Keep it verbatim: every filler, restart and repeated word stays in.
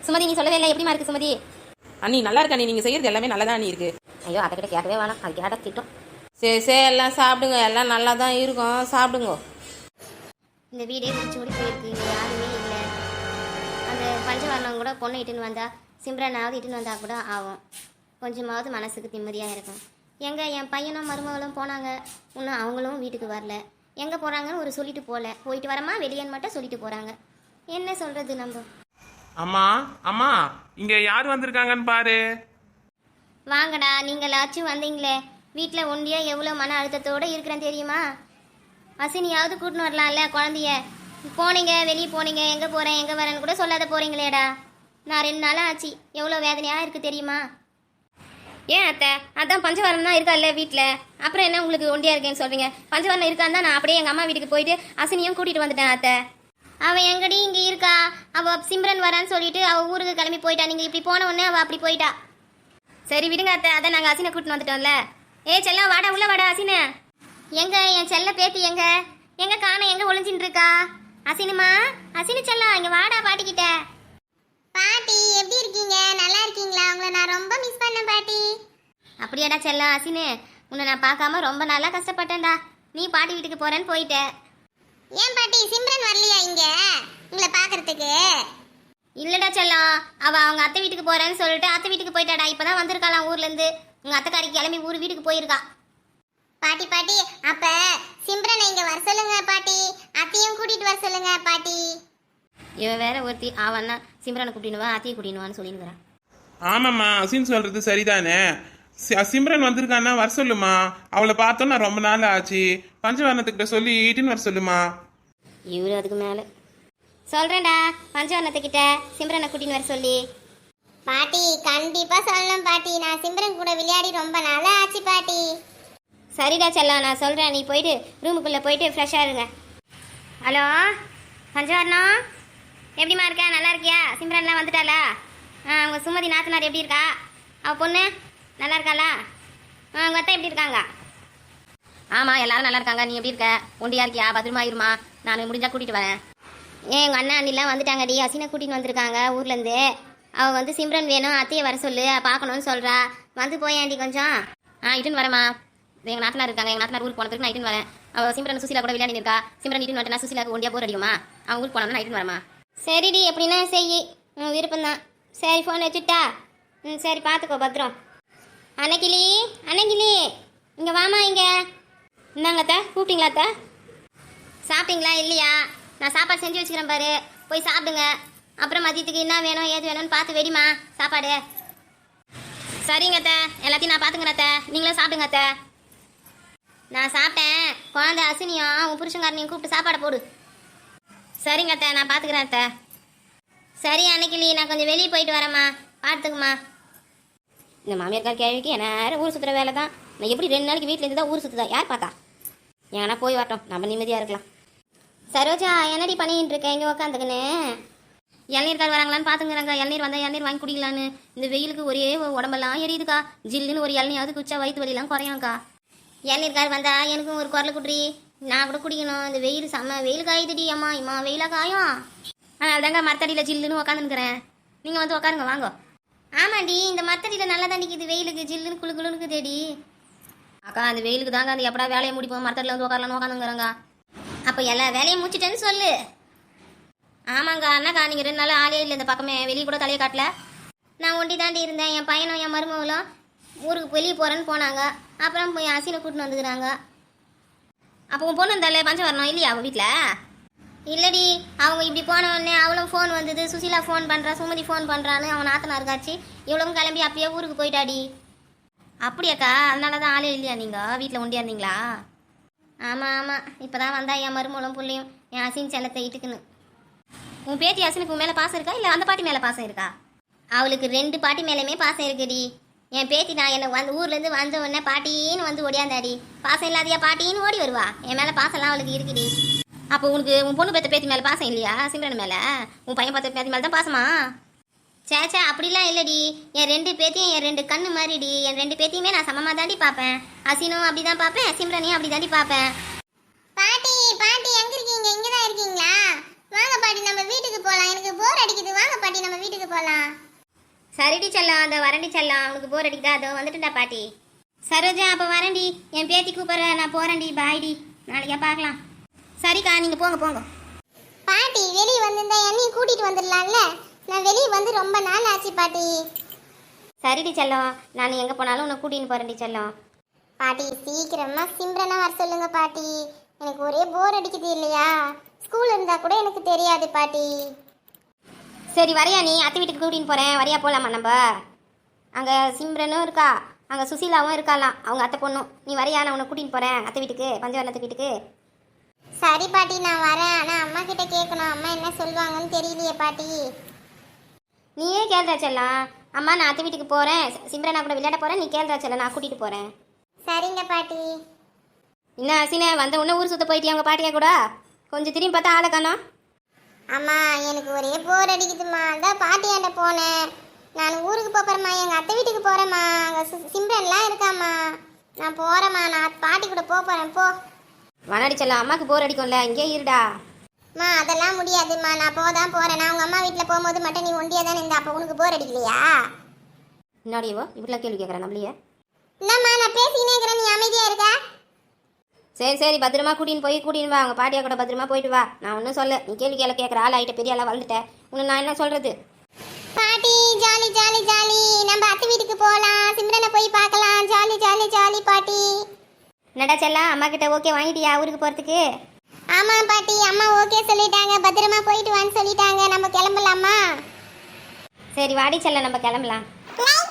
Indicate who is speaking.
Speaker 1: சுமதி நீ சொல்லவே இல்லை, எப்படிமா இருக்கு சுமதி?
Speaker 2: அண்ணி நல்லா இருக்கா? நீ நீங்கள் செய்கிறது எல்லாமே நல்லா தான் இருக்கு.
Speaker 1: ஐயோ அதை கிட்ட கேட்கவே வேணாம், அது கேட்டால் திட்டம்.
Speaker 2: சரி சரி எல்லாம் சாப்பிடுங்க, எல்லாம் நல்லா தான் இருக்கும், சாப்பிடுங்க.
Speaker 1: இந்த வீடே முடிச்சு ஓடி போயிருக்கு, இங்கே யாருமே இல்லை. அந்த பஞ்சவர்ணம் கூட பொண்ணை இட்டுன்னு வந்தா, சிம்ரனாவது இட்டுன்னு வந்தா கூட ஆகும், கொஞ்சமாவது மனசுக்கு நிம்மதியாக இருக்கும். எங்கே என் பையனும் மருமகளும் போனாங்க, இன்னும் அவங்களும் வீட்டுக்கு வரல. எங்கே போகிறாங்கன்னு ஒரு சொல்லிட்டு போகல, போயிட்டு வரமா வெளியேன்னு மட்டும் சொல்லிட்டு போகிறாங்க. என்ன சொல்கிறது நம்ம?
Speaker 3: அம்மா அம்மா இங்க யார் வந்திருக்காங்கன்னு பாரு.
Speaker 1: வாங்கடா, நீங்களாச்சும் வந்தீங்களே. வீட்டில் ஒண்டியா எவ்வளோ மன அழுத்தத்தோடு இருக்கிறேன் தெரியுமா? அசினியாவது கூட்டின்னு வரலாம்ல குழந்தைய. போனீங்க, வெளியே போனீங்க, எங்கே போகிறேன் எங்கே வரேன்னு கூட சொல்லாத போகிறீங்களேடா. நான் ரெண்டு நாளாக ஆச்சு, எவ்வளோ வேதனையாக இருக்குது தெரியுமா? ஏன் அத்தை, அதான் பஞ்சவரம் தான் இருக்கா இல்லை வீட்டில், அப்புறம் என்ன உங்களுக்கு ஒண்டியாக இருக்கேன்னு சொல்கிறீங்க? பஞ்சவரம் இருக்கான்னு தான் நான் அப்படியே எங்கள் அம்மா வீட்டுக்கு போயிட்டு அசினியும் கூட்டிகிட்டு வந்துட்டேன் அத்தை. அவள் எங்கடி இங்கே இருக்கா? அவள் சிம்ரன் வரான்னு சொல்லிட்டு அவள் ஊருக்கு கிளம்பி போயிட்டா. நீங்கள் இப்படி போன உடனே அவள் அப்படி போயிட்டா. சரி விடுங்க அத்தை, அதான் நாங்கள் அசினை கூட்டின்னு வந்துட்டோம்ல. ஏ செல்லம் வாடா, உள்ள வாடா. அசினை எங்க? என் செல்ல பேத்தி எங்க? எங்க காண? எங்க ஒளிஞ்சின்னு இருக்கா? அசினுமா, அசினு செல்லம் இங்க வாடா பாட்டிக்கிட்ட.
Speaker 4: பாட்டி எப்படி இருக்கீங்க? நல்லா இருக்கீங்களா? உங்களை நான் ரொம்ப மிஸ் பண்ணேன் பாட்டி.
Speaker 1: அப்படியாடா செல்லம். அசினு உன்னை நான் பார்க்காம ரொம்ப நல்லா கஷ்டப்பட்டேன்டா. நீ பாட்டி வீட்டுக்கு போறேன்னு போயிட்ட.
Speaker 4: ஏன் பாட்டி சிம்ரன் வரலையா இங்க உங்களை பார்க்கறதுக்கு?
Speaker 1: இல்லடா செல்லம், அவ அவங்க அத்தை வீட்டுக்கு போறேன்னு சொல்லிட்டு அத்தை வீட்டுக்கு போயிட்டாடா. இப்பதான் வந்திருக்காளாம் ஊர்ல இருந்து. உங்க அத்தைக்காரி கிளம்பி ஊர் வீட்டுக்கு போயிருக்கா.
Speaker 4: பாட்டி பாட்டி அப்ப சிம்ரனை இங்க வர சொல்லுங்க பாட்டி, அத்தையும் கூட்டிட்டு வர சொல்லுங்க பாட்டி.
Speaker 1: இவன் வேற ஒருத்தி, அவன் தான் சிம்ரனை கூட்டினுவா அத்தையை கூட்டினுவான்னு சொல்லினுக்கிறான்.
Speaker 3: ஆமாம்மா, அசின் சொல்றது சரிதானே. சி- சிம்ரன் வந்திருக்கான்னா வர சொல்லுமா. அவளை பார்த்தோம் நான் ரொம்ப நாள் ஆச்சு. பஞ்சவர்ணத்துக்கிட்ட சொல்லி ஈட்டின்னு வர சொல்லுமா.
Speaker 1: இவரு அதுக்கு மேல சொல்றேன்டா, பஞ்சவர்ணத்துக்கிட்ட சிம்ரனை கூட்டின்னு வர சொல்லி.
Speaker 4: பாட்டி கண்டிப்பா சொல்லணும் பாட்டி, நான் சிம்ரன் கூட விளையாடி ரொம்ப நாளா ஆச்சு பாட்டி.
Speaker 1: சரிடா செல்லம், நான் சொல்கிறேன். நீ போயிட்டு ரூமுக்குள்ளே போயிட்டு ஃப்ரெஷ்ஷாக இருங்க. ஹலோ பஞ்சவர்ணம், எப்படிமா இருக்க? நல்லா இருக்கியா? சிம்ரன்லாம் வந்துட்டாளா? ஆ உங்கள் சுமதி நாத்தனார் எப்படி இருக்கா? அவள் பொண்ணு நல்லா இருக்காளா? ஆ உங்கள் அத்தை எப்படி இருக்காங்க? ஆமாம் எல்லாரும் நல்லா இருக்காங்க. நீ எப்படி இருக்க? ஒண்டியா இருக்கியா? பத்திரமா இருமா, நான் முடிஞ்சால் கூட்டிகிட்டு வரேன். ஏன் எங்கள் அண்ணா அண்ணிலாம் வந்துட்டாங்கடி, அசினை கூட்டின்னு வந்திருக்காங்க ஊர்லேருந்து. அவள் வந்து சிம்ரன் வேணும், அத்தையை வர சொல்லு, பார்க்கணுன்னு சொல்கிறா. வந்து போயாண்டி கொஞ்சம். ஆ இட்டுன்னு வரேம்மா. எங்கள் நாத்தனார் இருக்காங்க, எங்கள் நாத்தனார் ஊருக்கு போனதுக்கு நான் இட்டுன்னு வரேன். அவள் சிம்ரன் சுசிலா கூட விளையாடி இருக்கா. சிம்ரன் இட்டுன்னு வரேன், சுசிலாவுக்கு ஒண்டியா போர் அடிக்குமா? அவன் ஊருக்கு போனோம்னா நான் இட்டுன்னு வரமா. சரிடி, எப்படின்னா செய், ம் விருப்பம்தான். சரி ஃபோன் வச்சுட்டா? ம் சரி பார்த்துக்கோ, பத்திரம். அன்னைக்கிளி அன்னைக்கிளி இங்கே வாமா. இங்கே என்னங்க அத்தை, கூப்பிட்டீங்களா அத்தை? சாப்பிட்டீங்களா? இல்லையா? நான் சாப்பாடு செஞ்சு வச்சுக்கிறேன் பாரு, போய் சாப்பிடுங்க. அப்புறம் மதியத்துக்கு என்ன வேணும் ஏது வேணும்னு பார்த்து வெடிமா சாப்பாடு. சரிங்க அத்தை, எல்லாத்தையும் நான் பார்த்துக்கிறேன் அத்தை, நீங்களும் சாப்பிடுங்க அத்தை. நான் சாப்பிட்டேன். குழந்தை அசினியும் உன் புருஷங்காரனையும் கூப்பிட்டு சாப்பாடை போடு. சரிங்க அத்தை, நான் பார்த்துக்கிறேன் அத்தை. சரி அன்னைக்கிளி, நான் கொஞ்சம் வெளியே போயிட்டு வரேம்மா, பார்த்துக்குமா. இந்த மாமியார் கேள்விக்கு என்ன நேரம் ஊர் சுற்றுற வேலை தான். நான் எப்படி ரெண்டு நாளைக்கு வீட்டில் இருந்து தான் ஊர் சுற்றுதா? யார் பார்த்தா? ஏன்னா போய் வரட்டும், நம்ம நிம்மதியாக இருக்கலாம். சரோஜா என்னடி பண்ணிட்டு இருக்கேன் இங்கே உக்காந்துக்குன்னு? இளநீர்கார் வராங்களான்னு பார்த்துங்கிறாங்க. இளநீர் வந்தால் இளநீர் வாங்கி குடிக்கலான்னு. இந்த வெயிலுக்கு ஒரே உடம்பெல்லாம் எரியுதுக்கா. ஜில்லுன்னு ஒரு இளநியாவது குச்சா வயிற்று வலியெல்லாம் குறையும்க்கா. இளநீர்கார் வந்தா எனக்கும் ஒரு குரல் குட்ரி, நான் கூட குடிக்கணும். இந்த வெயில் செம்ம வெயில் காயுதுடி அம்மா. இம்மா வெயிலாக காயும். அதனால தாங்க மரத்தடியில் ஜில்லுன்னு உக்காந்துருக்கிறேன். நீங்கள் வந்து உட்காருங்க வாங்க. ஆமாண்டி, இந்த மரத்தடியில் நல்லா தண்டிக்குது, வெயிலுக்கு ஜில்லுன்னு குழு குழுன்னு தேடி. அக்கா அந்த வெயிலுக்கு தாங்க அந்த எப்படா வேலையை முடிப்போம், மரத்தடியில் வந்து உட்காரலான்னு உட்காந்துங்கிறாங்க. அப்போ எல்லா வேலையும் முடிச்சிட்டேன்னு சொல்லு. ஆமாங்கா அண்ணாக்கா, நீங்கள் ரெண்டு நாள் ஆளே இல்லை இந்த பக்கமே, வெளியே கூட தலையை காட்டல. நான் ஒண்டி தாண்டி இருந்தேன். என் பையனும் என் மருமகளும் ஊருக்கு வெளியே போகிறேன்னு போனாங்க. அப்புறம் போய் அசினை கூட்டின்னு வந்துக்கிறாங்க. அப்போ உன் பொண்ணு இருந்தாலே பஞ்சம் வரணும் இல்லையா அவள் வீட்டில்? இல்லடி, அவங்க இப்படி போன உடனே அவளும் ஃபோன் வந்தது. சுசிலா ஃபோன் பண்ணுறா, சுமதி ஃபோன் பண்ணுறான்னு அவன் நாத்தனா இருக்காச்சு. இவ்வளவும் கிளம்பி அப்படியே ஊருக்கு போயிட்டாடி. அப்படியாக்கா, அதனால தான் ஆளே இல்லையா நீங்கள் வீட்டில் ஒண்டியா இருந்தீங்களா? ஆமாம் ஆமாம், இப்போ தான் வந்தா என் மருமகளும் பிள்ளையும் என் அசின் செல்லத்தை இட்டுக்குன்னு. உன் பேத்தி அசினுக்கு உன் மேலே பாசம் இருக்கா இல்லை அந்த பாட்டி மேலே பாசம் இருக்கா? அவளுக்கு ரெண்டு பாட்டி மேலேயுமே பாசம் இருக்குடி. என் பேத்தி நான் என்னை வந்து ஊர்லேருந்து வந்த உடனே பாட்டின்னு வந்து ஓடியாந்தாடி. பாசம் இல்லாதியா பாட்டின்னு ஓடி வருவா. என் மேலே பாசம்லாம் அவளுக்கு இருக்குடி. அப்போ உனக்கு உன் பொண்ணு பேத்த பேத்தி மேலே பாசம் இல்லையா? சிம்ரன் மேலே உன் பையன் பார்த்த பேத்தி மேலே தான் பாசமா? சேச்சா அப்படிலாம் இல்லடி. என் ரெண்டு பேத்தியும் என் ரெண்டு கண்ணு மாதிரிடி. என் ரெண்டு பேத்தியுமே நான் சமமாக தாண்டி பார்ப்பேன். அசினும் அப்படி தான் பார்ப்பேன், சிம்ரனையும் அப்படி தாண்டி பார்ப்பேன்.
Speaker 4: பாட்டி பாட்டி எங்க இருக்கீங்க? இங்க தான் இருக்கீங்களா? வாங்க பாட்டி நம்ம வீட்டுக்கு போலாம், எனக்கு போர் அடிக்குது. வாங்க பாட்டி நம்ம வீட்டுக்கு போலாம்.
Speaker 1: சரிடி செல்லம், அந்த வரண்டி செல்லம், உனக்கு போர் அடிக்குதா? அதோ வந்துட்டுடா பாட்டி. சரோஜா, அப்போ வரண்டி, என் பேத்தி கூப்பிட்ற, நான் போகிறேன்டி. பாய்டி, நாளைக்கா பார்க்கலாம். சரிக்கா, நீங்கள் போங்க போங்க.
Speaker 4: பாட்டி வெளியே வந்திருந்தா என்னையும் கூட்டிட்டு வந்துடலாம்ல? நான் வெளியே வந்து ரொம்ப நாள் ஆச்சு பாட்டி.
Speaker 1: சரிடி செல்லம், நான் எங்கே போனாலும் உன்னை கூட்டின்னு போகிறேன்டி செல்லம்.
Speaker 4: பாட்டி சீக்கிரமா சிம்ரனை வர சொல்லுங்க பாட்டி. எனக்கு ஒரே போர் அடிக்குது இல்லையா? ஸ்கூல் இருந்தா கூட எனக்கு தெரியாது பாட்டி.
Speaker 1: சரி வரையா, நீ அத்தை வீட்டுக்கு கூட்டின்னு போகிறேன், வரையா போகலாமா நம்ம? அங்கே சிம்ரனும் இருக்கா, அங்கே சுசீலாவும் இருக்காலாம், அவங்க அத்தை பொண்ணும். நீ வரையா, நான் உன்னை கூட்டின்னு போகிறேன் அத்தை வீட்டுக்கு, பஞ்சவர்ணத்து வீட்டுக்கு.
Speaker 4: சரி பாட்டி நான் வரேன். ஆனா அம்மா கிட்ட கேட்கணும், அம்மா என்ன சொல்லுவாங்கன்னு தெரியலையே பாட்டி.
Speaker 1: நீயே கேள்றா செல்லம். அம்மா நான் அத்தை வீட்டுக்கு போகிறேன், சிம்ரனா கூட விளையாட போகிறேன், நீ கேள்றா செல்லம், நான் கூட்டிகிட்டு போகிறேன்.
Speaker 4: சரிங்க பாட்டி.
Speaker 1: என்ன அசினே, வந்த உடனே ஊர் சுத்த போயிட்டியா உங்கள் பாட்டியா கூட? கொஞ்சம் திரும்பி பார்த்தா ஆளை காணோம்.
Speaker 4: அம்மா எனக்கு ஒரே போர் அடிக்குதுமா, அதான் பாட்டியாண்ட போனேன். நான் ஊருக்கு போறேம்மா, எங்க அத்தை வீட்டுக்கு போறேம்மா. அங்க சு- சிம்ரன்லாம் இருக்காம்மா. நான் போறேம்மா, நான் பாட்டி கூட போக போறேன். போ
Speaker 1: வனாடி செல்லம், அம்மாவுக்கு போர் அடிக்கும்ல, இங்கே இருடா.
Speaker 4: அம்மா அதெல்லாம் முடியாதும்மா, நான் போதான் போறேன். நான் உங்க அம்மா வீட்டில் போகும்போது மட்டும் நீ ஒண்டியா தானே இருந்த, அப்போ உனக்கு போர் அடிக்கலையா?
Speaker 1: என்னடியவோ இப்படிலாம் கேள்வி கேட்குறேன் நம்மளையே.
Speaker 4: என்னம்மா நான் பேசிக்கினே இருக்கிறேன், நீ அமைதியா இருக்க?
Speaker 1: சரி சரி, பத்திரமா கூட்டின்னு போய் கூட்டின்னு வா, அவங்க பாட்டியா கூட பத்திரமா போயிட்டு வா. நான் ஒன்றும் சொல்ல, நீ கேள்வி கேள்வி கேட்குற ஆள் ஆகிட்ட, பெரிய ஆளாக வளர்ந்துட்டேன், உன்னை நான் என்ன சொல்கிறது?
Speaker 4: பாட்டி ஜாலி ஜாலி ஜாலி, நம்ம அத்தை வீட்டுக்கு போகலாம், சிம்ரனை போய் பார்க்கலாம். ஜாலி ஜாலி ஜாலி பாட்டி.
Speaker 1: நடா செல்லம், அம்மா கிட்ட ஓகே வாங்கிட்டியா ஊருக்கு போகிறதுக்கு?
Speaker 4: ஆமா பாட்டி, அம்மா ஓகே சொல்லிட்டாங்க, பத்திரமா போயிட்டு வான்னு சொல்லிட்டாங்க. நம்ம கிளம்பலாமா?
Speaker 1: சரி வாடி செல்லம், நம்ம கிளம்பலாம்.
Speaker 4: லைக்